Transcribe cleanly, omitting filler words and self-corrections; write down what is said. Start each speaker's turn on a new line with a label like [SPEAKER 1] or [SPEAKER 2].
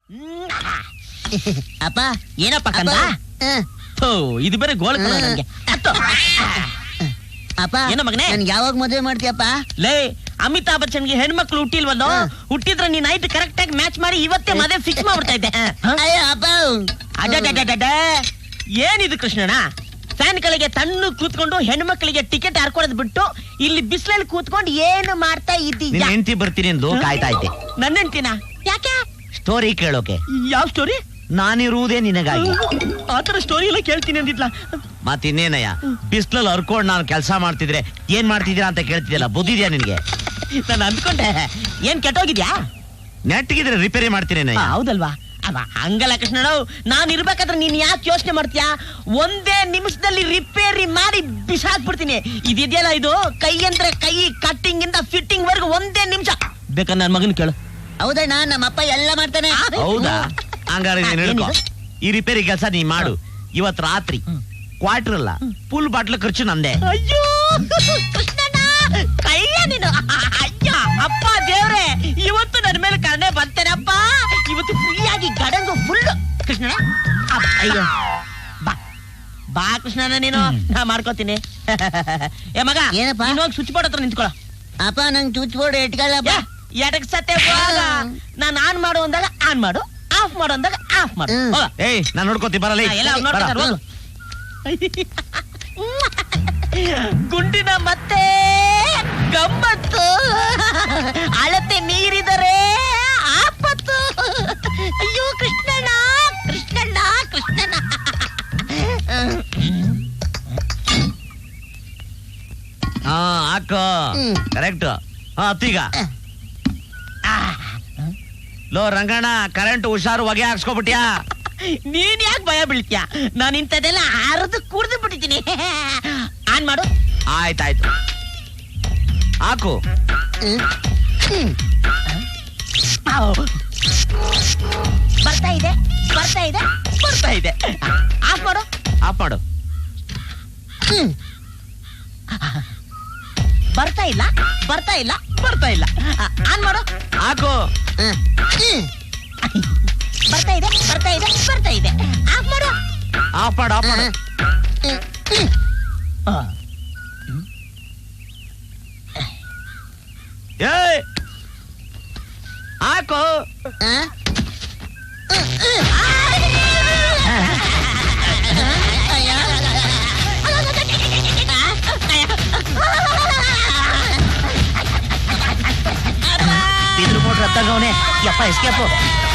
[SPEAKER 1] ಅಪ್ಪ
[SPEAKER 2] ಏನಪ್ಪ ಕಂದ? ಇದು ಬೇರೆ ಗೋಳ ನನಗೆ.
[SPEAKER 1] ಅಪ್ಪ
[SPEAKER 2] ಏನೋ ಮಗನೇ?
[SPEAKER 1] ನನ್ಗೆ ಯಾವಾಗ ಮದುವೆ ಮಾಡ್ತೀಯಪ್ಪ?
[SPEAKER 2] ಲೇ, ಅಮಿತಾಬ್ ಬಚ್ಚನ್ಗೆ ಹೆಣ್ಮಕ್ಳು ಹುಟ್ಟಿಲ್ವಲ್ಲೋ? ಹುಟ್ಟಿದ್ರೆ ನೀನ್ ನೈಟ್ ಕರೆಕ್ಟ್ ಆಗಿ ಮ್ಯಾಚ್ ಮಾಡಿ ಇವತ್ತೇ ಮದುವೆ ಫಿಕ್ಸ್ ಮಾಡ್ಬಿಡ್ತಾ ಇದ್ದೆ.
[SPEAKER 1] ಅಯ್ಯೋ ಅಪ್ಪ,
[SPEAKER 2] ಅಡ್ಡ ಏನಿದು ಕೃಷ್ಣಣ್ಣ? ಫ್ಯಾನ್ ಗಳಿಗೆ ತಣ್ಣು ಕೂತ್ಕೊಂಡು ಹೆಣ್ಮಕ್ಳಿಗೆ ಟಿಕೆಟ್ ಹಾರ್ಕೊಳದ್ ಬಿಟ್ಟು ಇಲ್ಲಿ ಬಿಸಿಲಲ್ಲಿ ಕೂತ್ಕೊಂಡು ಏನು ಮಾಡ್ತಾ ಇದ್ದೀಯ?
[SPEAKER 3] ಹೆಂಡತಿ ಬರ್ತೀನಿ ಎಂದು ಕಾಯ್ತಾ ಇದ್ದೆ.
[SPEAKER 2] ನನ್ನ ಹೆಂಡ್ತಿನ? ಯಾಕೆ?
[SPEAKER 3] ಸ್ಟೋರಿ ಕೇಳೋಕೆ.
[SPEAKER 2] ಯಾವ ಸ್ಟೋರಿ?
[SPEAKER 3] ನಾನಿರುವುದೇ ನಿನಗಾಗಿ.
[SPEAKER 2] ಆತರ ಸ್ಟೋರಿ ಎಲ್ಲ ಕೇಳ್ತೀನಿ ಅಂದಿದ್ಲ.
[SPEAKER 3] ಮತ್ತಿನ್ನೇನಯ್ಯ, ಬಿಸ್ಲಲ್ಲಿ ಹರ್ಕೊಂಡು ನಾನು ಕೆಲಸ ಮಾಡ್ತಿದ್ರೆ ಏನ್ ಮಾಡ್ತಿದ್ದೀರಾ ಅಂತ ಕೇಳ್ತಿದ್ಯಲ್ಲ, ಬುದ್ಧಿದ್ಯಾ ನಿನ್ಗೆ?
[SPEAKER 2] ನಾನು ಅನ್ಕೊಂಡೆ ಏನ್ ಕೆಟ್ಟೋಗಿದ್ಯಾ?
[SPEAKER 3] ನೆಟ್ಗಿದ್ರೆ ರಿಪೇರಿ ಮಾಡ್ತೀನಿ.
[SPEAKER 2] ಹೌದಲ್ವಾ? ಅವ ಹಂಗಲ್ಲ ಕೃಷ್ಣಣ್ಣ, ನಾನ್ ಇರ್ಬೇಕಾದ್ರೆ ನೀನ್ ಯಾಕೆ ಯೋಚನೆ ಮಾಡ್ತೀಯಾ? ಒಂದೇ ನಿಮಿಷದಲ್ಲಿ ರಿಪೇರಿ ಮಾಡಿ ಬಿಸಾಕ್ಬಿಡ್ತೀನಿ. ಇದೆಯಲ್ಲ ಇದು ಕೈ ಅಂದ್ರೆ ಕೈ, ಕಟ್ಟಿಂಗ್ ಇಂದ ಫಿಟ್ಟಿಂಗ್ ವರ್ಗು ಒಂದೇ ನಿಮಿಷ. ಬೇಕಾದ್ರೆ ನನ್ ಮಗನ್ ಕೇಳು.
[SPEAKER 1] ಹೌದಣ್ಣ, ನಮ್ಮಪ್ಪ ಎಲ್ಲ ಮಾಡ್ತಾನೆ.
[SPEAKER 3] ಹೌದಾ? ಹಂಗಾರೆ ನೀನ್ ಹೇಳ್ಕೊ, ಈ ರಿಪೇರಿ ಕೆಲಸ ನೀ ಮಾಡು. ಇವತ್ ರಾತ್ರಿ ಕ್ವಾರ್ಟರ್ ಅಲ್ಲ, ಫುಲ್ ಬಾಟ್ಲ್ ಖರ್ಚು ನಂದೆ.
[SPEAKER 2] ಅಯ್ಯೋ ಕೃಷ್ಣಣ್ಣ, ಕೈಯ ನೀನು. ಅಯ್ಯ ಅಪ್ಪ ದೇವ್ರೆ, ಇವತ್ತು ನನ್ನ ಮೇಲೆ ಕರುಣೆ ಬರ್ತೇನಪ್ಪ. ಇವತ್ತು ಫ್ರೀಯಾಗಿ ಗಡಂಗು ಫುಲ್. ಕೃಷ್ಣಣ್ಣ, ಅಯ್ಯೋ ಬಾ ಬಾ ಕೃಷ್ಣಣ್ಣ, ನೀನು ನಾ ಮಾಡ್ಕೋತೀನಿ. ಏ ಮಗ,
[SPEAKER 1] ಏನಪ್ಪ?
[SPEAKER 2] ನೀನ್ ಹೋಗಿ ಸ್ವಿಚ್ ಬೋರ್ಡ್ ಹತ್ರ ನಿಂತ್ಕೊಳ್ಳೋ.
[SPEAKER 1] ಅಪ್ಪ ನಂಗೆ ಚುಚ್ ಬೋರ್ಡ್ ಇಟ್ಕೊಳ್ಳಪ್ಪ.
[SPEAKER 2] ಎಡಕ್ ಸತ್ತೆ ನಾನು ಆನ್ ಮಾಡು ಅಂದಾಗ ಆನ್ ಮಾಡು, ಆಫ್ ಮಾಡು ಅಂದಾಗ ಆಫ್ ಮಾಡು.
[SPEAKER 3] ಏಯ್, ನಾನ್ ನೋಡ್ಕೋತಿ ಬರಲ್ಲ.
[SPEAKER 2] ಎಲ್ಲ ನೋಡ್ತಾರೆ ಹೋಗು. ಗುಂಡಿನ ಮತ್ತೆ ಗಮ್ಮತ್ತು, ಅಳತೆ ಮೀರಿದರೆ ಆಪತ್ತು. ಅಯ್ಯೋ ಕೃಷ್ಣಣ್ಣ, ಕೃಷ್ಣಣ್ಣ, ಕೃಷ್ಣಣ್ಣ.
[SPEAKER 3] ಹಾ ಹಾಕೋ, ಕರೆಕ್ಟ್. ಹಾ ಅತ್ತೀಗ ಲೋ ರಂಗಣ್ಣ, ಕರೆಂಟ್ ಹುಷಾರು, ಹೊಗೆ ಹಾಕ್ಸ್ಕೊಬಿಟ್ಯಾ?
[SPEAKER 2] ನೀನ್ ಯಾಕೆ ಭಯ ಬೀಳ್ತೀಯ? ನಾನು ಇಂಥದೆಲ್ಲ ಆರದು ಕುಡ್ದು ಬಿಟ್ಟಿದ್ದೀನಿ. ಆನ್ ಮಾಡು.
[SPEAKER 3] ಆಯ್ತಾಯ್ತು, ಹಾಕು.
[SPEAKER 2] ಬರ್ತಾ ಇದೆ, ಬರ್ತಾ ಇದೆ, ಬರ್ತಾ ಇದೆ. ಆಫ್ ಮಾಡು.
[SPEAKER 3] ಆಫ್ ಮಾಡು.
[SPEAKER 2] ಬರ್ತಾ ಇಲ್ಲ, ಬರ್ತಾ ಇಲ್ಲ, ಬರ್ತಾ ಇಲ್ಲ. ಆನ್ ಮಾಡು.
[SPEAKER 3] ಹಾಕು.
[SPEAKER 2] ಬರ್ತಾ ಇದೆ, ಬರ್ತಾ ಇದೆ, ಬರ್ತಾ ಇದೆ. ಆಫ್ ಮಾಡು.
[SPEAKER 3] ಆಫ್ ಮಾಡು, ಆಫ್ ಮಾಡು. ಏಯ್, ಹಾಕು.
[SPEAKER 2] ಬಿದ್ರು ಮೋಟ್ರ್ ಹತ್ತಾಗವನೆ. ಯಪ್ಪ ಎಸ್ಕೇಪು.